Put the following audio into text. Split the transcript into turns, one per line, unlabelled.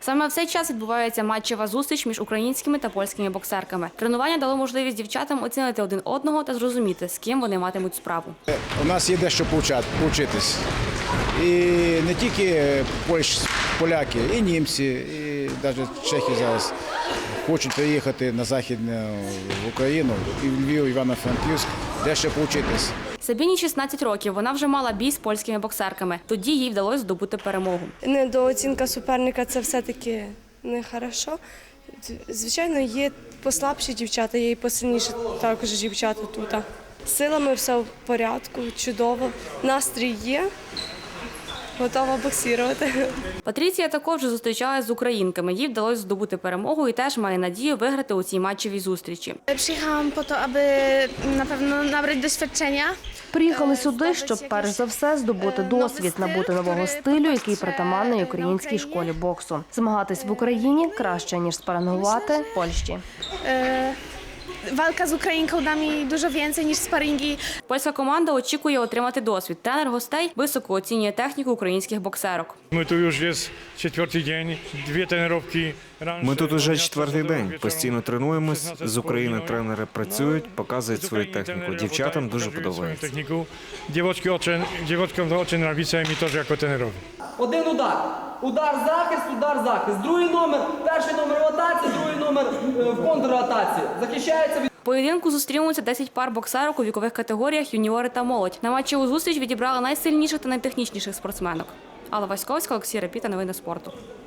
Саме в цей час відбувається матчева зустріч між українськими та польськими боксерками. Тренування дало можливість дівчатам оцінити один одного та зрозуміти, з ким вони матимуть справу.
У нас є дещо повчитись. І не тільки поляки, і німці, і навіть чехи зараз хочуть приїхати на Західну Україну, і в Львів, Івано-Франківськ, дещо повчитись.
Сабіні 16 років, вона вже мала бій з польськими боксерками. Тоді їй вдалося здобути перемогу.
Недооцінка суперника – це все-таки не хорошо. Звичайно, є послабші дівчата, є і посильніші також дівчата тут. З силами все в порядку, чудово, настрій є, готова боксувати.
Патріція також вже зустрічалася з українками. Їй вдалося здобути перемогу і теж має надію виграти у цій матчевій зустрічі.
Przyjechałam po to, aby na pewno nabrać doświadczenia.
Приїхали сюди, щоб перш за все здобути досвід, набути нового стилю, який притаманний українській школі боксу. Змагатись в Україні краще, ніж спарингувати в Польщі.
Walka z Ukrainką da mi dużo więcej niż sparingi.
Польська команда очікує отримати досвід. Тренер гостей високо оцінює техніку українських боксерок.
Ми тут вже четвертий день, дві тренування.
Ми тут уже четвертий день, постійно тренуємось, з України тренери працюють, показують свою техніку. Дівчатам дуже подобається.
Дівчаткам дуже подобається, і мені теж як тренерові.
Один удар. Удар, захист. Другий номер, перший номер в атаці, другий номер в контратаці. Захищається від...
В поєдинку зустрінуться 10 пар боксерок у вікових категоріях юніори та молодь. На матчеву зустріч відібрали найсильніших та найтехнічніших спортсменок. Алла Васьковська, Олексій Репіта, новини спорту.